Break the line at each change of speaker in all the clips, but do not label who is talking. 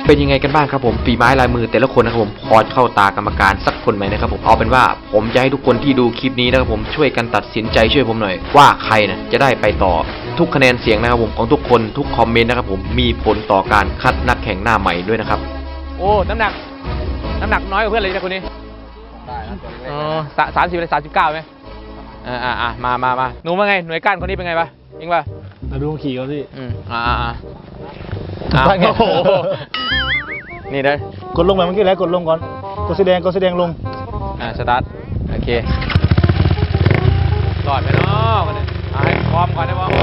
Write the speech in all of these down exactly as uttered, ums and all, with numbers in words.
เป็นยังไงกันบ้างครับผมฝีไม้ลายมือแต่ละคนนะครับผมพอเข้าตากรรมการสักคนไหมนะครับผมเอาเป็นว่าผมจะให้ทุกคนที่ดูคลิปนี้นะครับผมช่วยกันตัดสินใจช่วยผมหน่อยว่าใครนะจะได้ไปต่อทุกคะแนนเสียงนะครับผมของทุกคนทุกคอมเมนต์นะครับผมมีผลต่อการคัดนักแข่งหน้าใหม่ด้วยนะครับ
โอ้น้ำหนักน้ำหนักน้อยกว่าเพื่อนเลยนะคนนี้ได้นะตัวเล็กๆสามสิบเลยสามสิบเก้าไหมอ่าอ่ามามามาหนูว่าไงหน่วยก้านคนนี้เป็นไงปะจริงปะ
มาดูขี่เขาสิ
อืมอ่าอ่าอ่าโอ้โหนี่ได้
กดลงไปเมื่อกี้แล้วกดลงก่อนกดสีแดงกดสีแดงลง
อ่าสตาร์ทโอเครอดไปเนาะมันเนี่ยเอาให้พร้อมก่อนได้ป่ะ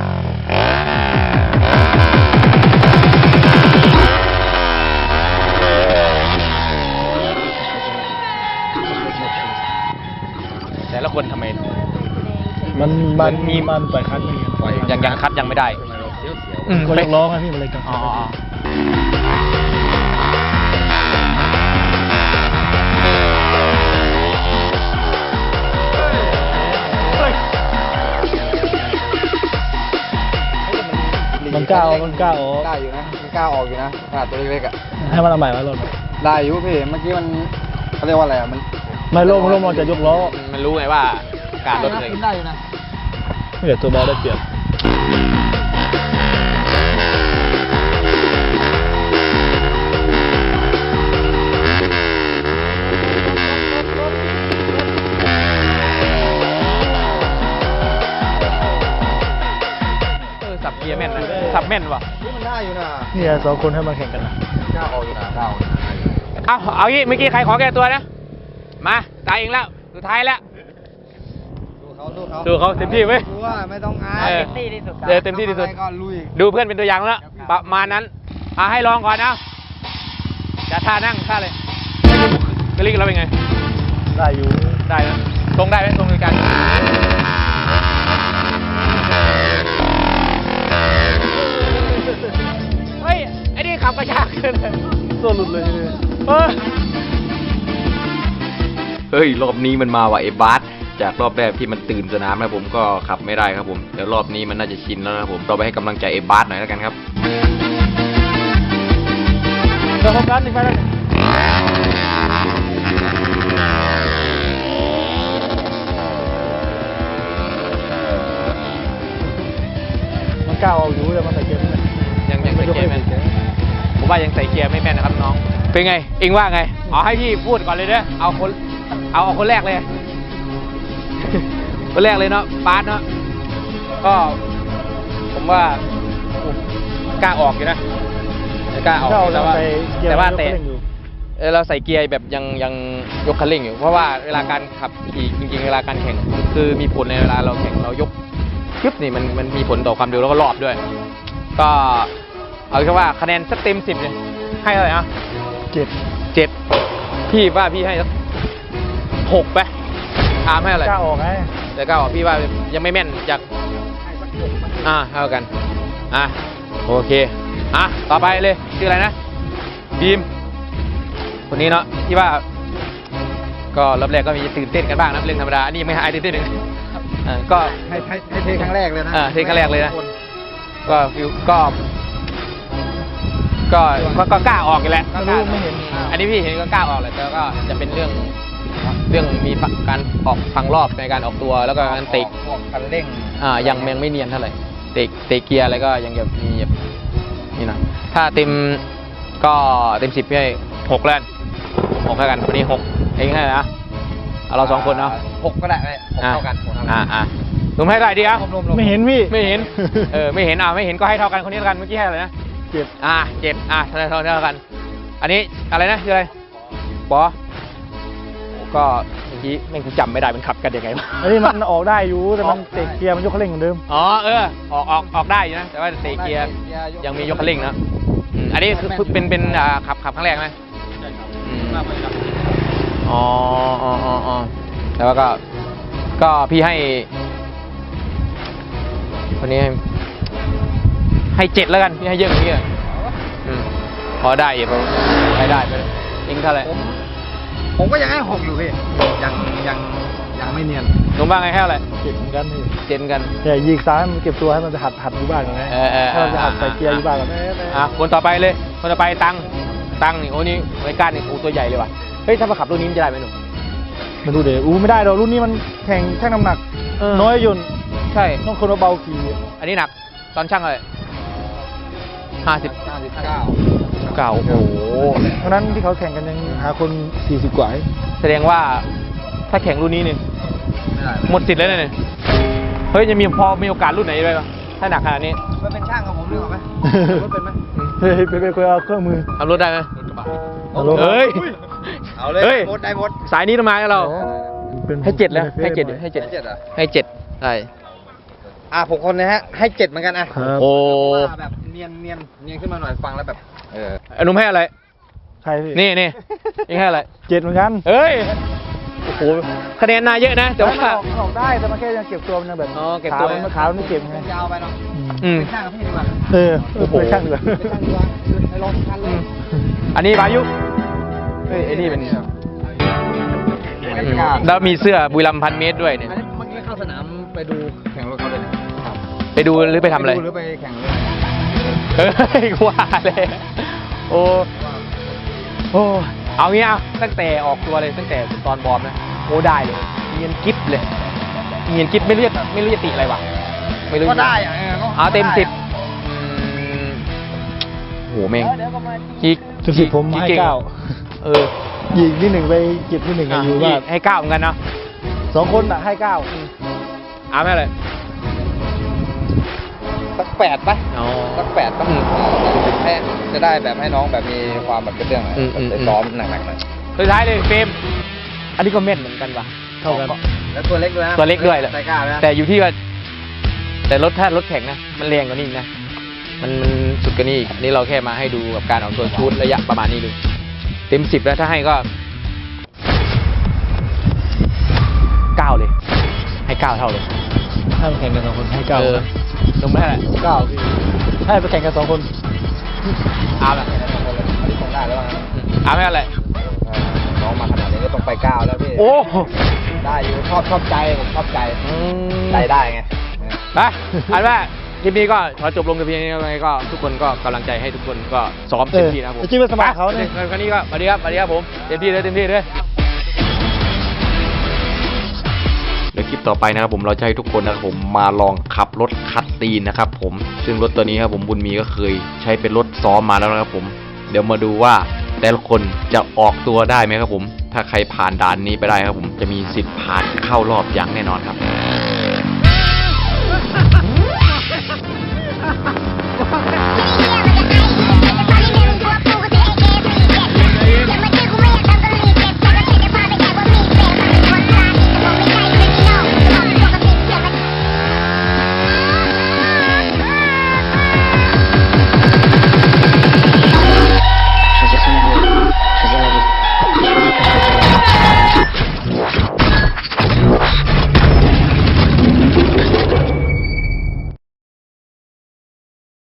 แต่ละคนทำไม
มันมันมีมันปล่อยคัดไม่
ยังยังคัดยังไม่ได้
ก็ยังร้องนะพี่มันเลยกัน
อ๋อ
มันกล้ามันกล้าออก
ได้อยู่นะมันกล้าออกอยู่นะขนาดตัวเล็กๆอ่ะ
ให้มันเอาใหม่มาลง
ได้อยู่พี่เมื่อกี้มันเขาเรียกว่าอะไรอ่ะมัน
ไม่ลงลงมันจะยกล้อ
มันรู้ไงว่าการรถเลย
ได้อยู่นะ
เดี๋ยวตัวบอลได้เปรียบ
สับเกียร์แม่นนะสับแม่นวะ
มันได้อยู่นะ
นี่สองคนให้มาแข่งกันนะ
กล้าออกอยู่นะกล้าออก
เอาเอางี้เมื่อกี้ใครขอแก้ตัวนะมาตายเองแล้วสุดท้ายแล้วดูเขาเต็มที่ไหม
ไม่ต้องอายเต็มที่ที่สุด
เออเต็มที่ที่สุดดูเพื่อนเป็นตัวอย่างแล้วประมาณนั้นอ่ะให้ลองก่อนนะจะท่านั่งท่าเลยกระลิกเราเป็นไง
ได้อยู่
ได้นะตรงได้ไหมตรงในการเฮ้ยไอ้นี่ขับกระชากขึ้น
ตัวหลุดเลย
เออ
เฮ้ยรอบนี้มันมาว่ะไอ้บาสจากรอบแรกที่มันตื่นสนามนะผมก็ขับไม่ได้ครับผมเดี๋ยวรอบนี้มันน่าจะชินแล้วนะผมเราไปให้กำลังใจไอ้บาสหน่อยแล้วกันครับ
เดี๋ยวโฟกัสอีกไปเลยมันก้าวเอาอยู่แต่มันใส่เกียร์ไม่
ยังยังใส่เกียร์แม่นผมว่ายังใส่เกียร์ไม่แม่นนะครับน้องเป็นไงเอ็งว่าไงเอาให้พี่พูดก่อนเลยเด้อเอาคนเอาเอาคนแรกเลยคนแรกเลยเนาะบาสเนาะก็ผมว่ากล้าออกอยู่นะกล้าออกแต่ว่าแต่ว่าแต่เราใส่เกียร์แบบยังยังยกคันเร่งอยู่เพราะว่าเวลาการขับขี่จริงๆเวลาการแข่งคือมีผลในเวลาเราแข่งเรายกคลิปนี่มันมันมีผลต่อความเร็วแล้วก็รอบด้วยก็เอาแค่ว่าคะแนนสักเต็มสิบเลยให้เท่าไหร่อ่ะ
เจ็ด
เจ็ดพี่ว่าพี่ให้สักหกไปถามให้อะไร
กล้าออกไง
แต่กล้าออกพี่ว่ายังไม่แม่นจากอ่าเท่ากันอ่ะโอเคอ่ะต่อไปเลยชื่ออะไรนะบีมคนนี้เนาะที่ว่าก็รอบแรกก็มีตื่นเต้นกันบ้างนะเรื่องธรรมดาอันนี้ไม่หายตื่นเต้นหนึ่งอ่าก็
ให้ให้เทครั้งแรกเลยนะ
อ่าเทครั้งแรกเลยนะก็ฟิวก็ก็ก็กล้าออกอยู่แล้ว
ไม่เห็น
อันนี้พี่เห็นก็กล้าออกแหละแต่ก็จะเป็นเรื่องเรื่องมีการออกพังรอบในการออกตัวแล้วก็การเตะ
คันเร่ง
อ่ายังยังไม่เนียนเท่าไหร่เตะเตะเกียร์อะไรก็ยังแบบมีแบบนี่นะถ้าเต็มก็เต็มสิบพี่ให้หกแล้วหกเท่ากันวันนี้หกเองให้นะเอาเราสองคนเนาะ
หกก็ได้หกเท่ากัน
อ่าอ่าลุงให้ได้ดีอ่ะ
ไม่เห็นพี่
ไม่เห็นเออไม่เห็นอ่ะไม่เห็นก็ให้เท่ากันคนนี้เท่ากันเมื่อกี้ให้อะไรนะ
เจ็ด
อ่าเจ็ดอ่าเท่าเท่าเท่ากันอันนี้อะไรนะชื่ออะไรปอก็เมื่อกี้แม่งกูจำไม่ได้มันขับกันยังไงวะ
อันนี้มันออกได้อยู่แต่มันเตะเกียร์มันยกคันเร่งเหมือนเดิม
อ๋อเออออกออกออกได้อยู่นะแต่ว่าเตะเกียร์ยังมียกคันเร่งนะอันนี้คือเป็นเป็นอ่าขับขับครั้งแรกไหมใช่ครับอ๋ออ๋ออ๋อแต่ว่าก็ก็พี่ให้คนนี้ให้ให้เจ็ดแล้วกันพี่ให้เยอะกว่านี้อ่ะพอได้อยู่พอได้ได้ไปเองเท่าไหร่
ผมก็ยังให้หกอยู่พี่ยังยังยังไม่เนียน
หนุ่มว่าไงให้เท่าไหร่
เก็บเหมือนกันนี่
เจนกัน
แต่ยิงซ้ายมันเก็บตัวให้มันไปหัดหัดอยู่บ้านก่อนนะ
เออเออ
ถ้าเราจะหัดใส่เกียร์อยู่บ้านก่อน
อ่ะคนต่อไปเลยคนต่อไปตังตังนี่โอ้นี่ไว้ก้านนี่โอ้ตัวใหญ่เลยว่ะเฮ้ยถ้ามาขับรุ่นนี้มันจะได้ไหมหนุ่ม
ไม่รู้เดี๋ยวอู้ไม่ได้หรอกรุ่นนี้มันแข่งชั่งน้ำหนัก
เออ
น้อยยนต์
ใช่
ต้องคนเบาๆขี่
อันนี้หนักตอนช่างเลยห้าสิบ
เก้าสิบเก้า
เก่าโอ้โห
เพราะฉะนั้นที่เขาแข่งกันยังหาคนสี่สิบกว่า
แสดงว่าถ้าแข่งรุ่นนี้เนี่ย
ไม่ได้
หมดสิทธิ์แล้วเนี่ยเฮ้ยจะมีพอมีโอกาสรุ่นไหนได้บ้างถ้าหนักขนาดนี้
ไปเป็นช่างกับผมดีกว่าไหมรถเป็นไหม
เฮ้ยไปไปคุยเอาเครื่องมือ
ทำรถได้ไหม
เอารถ
เฮ้ย
เอาเลย
เฮ้ย
หมดได้หมด
สายนี้ต้องมากับเรา
เป็น
ให้เจ็ดแล้วให้เจ็ดให้เจ็ด
ให้เจ็ดเหรอ
ให้เจ็ดใช่
อ่ะผมคนนะฮะ ให้เจ็ดเหมือนกันอ่ะ
ครับ
โอ้
ว่าแบบเนียนเนียนเนียนขึ้นมาหน่อยฟังแล้วแบบ เออ
อนุมให้อะไร
ใครพี่
นี่นี่ยังให้อะไร
เจ็ดเหมือนกัน
เฮ้ย โอ้โห คะแนนนายเยอะนะ แต่ว่า
มันออกมันออกได้แต่มันแค่ยังเก็บตัวมันยังแบบ
อ๋อเก็บตัว
ขามันขาวมันไม่เก็บไง
ยาวไปเนาะ
อืม
เป็นช่างกับพี่ดีกว่า
เออโอ้โหช่างเหลือ
เป็นช่างดีกว่าไปลองคันเลย
อันนี้บายุ เฮ้ยไอ้นี่เป็น
ไม่
อืม
กล้า
แล้วมีเสื้อบุรีรัมย์พันเมตรด้วยเนี่ย
อันนี้เมื่อกี้เข้าสนามไปดูแข่งรถเขาเลยนะครับ
ไปดูหรือไปทำอะไร
ปดูหรือไปแข่งเลย
เฮ้ยกว่าเลย โอ้ โอ้ เอางี้เอาตั้งแต่ออกตัวเลยตั้งแต่ตอนบอร์มนะโอ้ได้เลยเงียนกิ๊บเลยเงียนกิ๊บไม่รู้จะไม่รู้จะติอะไรวะไม่รู้
ก็ได้อะ
เอาเต็มสิบอืมโหแม่งกิ๊ก
เต็มสิบผมให้
กิ๊
เก้า
เออ
ยิงที่หนึ่งไปเก็บที่หนึ่งกันอยู่
อ่ะ
บ้าน
ให้เก้าเหมือนกันเนาะ
สองคนอ่ะให้เก้า
เอาไหมเลย
สักแปดปะ
อ๋อ
สักแปดปะ
อืม
ให้จะได้แบบให้น้องแบบมีความแบบเป็นเรื่องอะ
อืมอืม
ไปซ้อมหนักๆหน่อย
สุดท้ายเลยเฟรมอันนี้ก็เม็ดเหมือนกันว่ะ
เท่ากัน
แล้วตัวเล็กด้วยนะ
ตัวเล็กด้วยแหละ
ไซก้านะ
แต่อยู่ที่ว่า แต่รถถ้ารถแข่งนะ มันแรงกว่านี้อีกนะ มันมันสุดกว่านี้อีกอันนี่เราแค่มาให้ดูกับการออกตัวชูดระยะประมาณนี้ดู เต็มสิบแล้วถ้าให้ก็เก้าเลย ให้เก้าเท่าเลย
ให้ไปแข่งกันสองคนให้เก้า
ออลงไม่ได้แหละ
เก้าพี่ให้ไปแข่งกันสองคน
เอาละ
อันนี้คงได้แล้วมั้ง
เอาไม่อะไร
เออน้องมาขนาดนี้ก็ต้องไปเก้าแล้วพี่
โอ้
ได้อยู่ชอบชอบใจผมชอบใจ
อืม
ใจได้ไง
ไปอันว่าคลิปนี้ก็ขอจบลงแต่เพียงนี้ยังไงก็ทุกคนก็กำลังใจให้ทุกคนก็ซ้อมเต็มที่นะครับผม
เออจริงๆเป็นสมัครเขาเนี่ย
ไปครั้นี้ก็สวัสดีครับสวัสดีครับผมเต็มที่เลยเต็มที่เลย
เดี๋ยวคลิปต่อไปนะครับผมเราจะให้ทุกคนนะครับผมมาลองขับรถคัสซีนนะครับผมซึ่งรถตัวนี้ครับผมบุญมีก็เคยใช้เป็นรถซ้อมมาแล้วนะครับผมเดี๋ยวมาดูว่าแต่ละคนจะออกตัวได้ไหมครับผมถ้าใครผ่านด่านนี้ไปได้ครับผมจะมีสิทธิ์ผ่านเข้ารอบอย่างแน่นอนครับ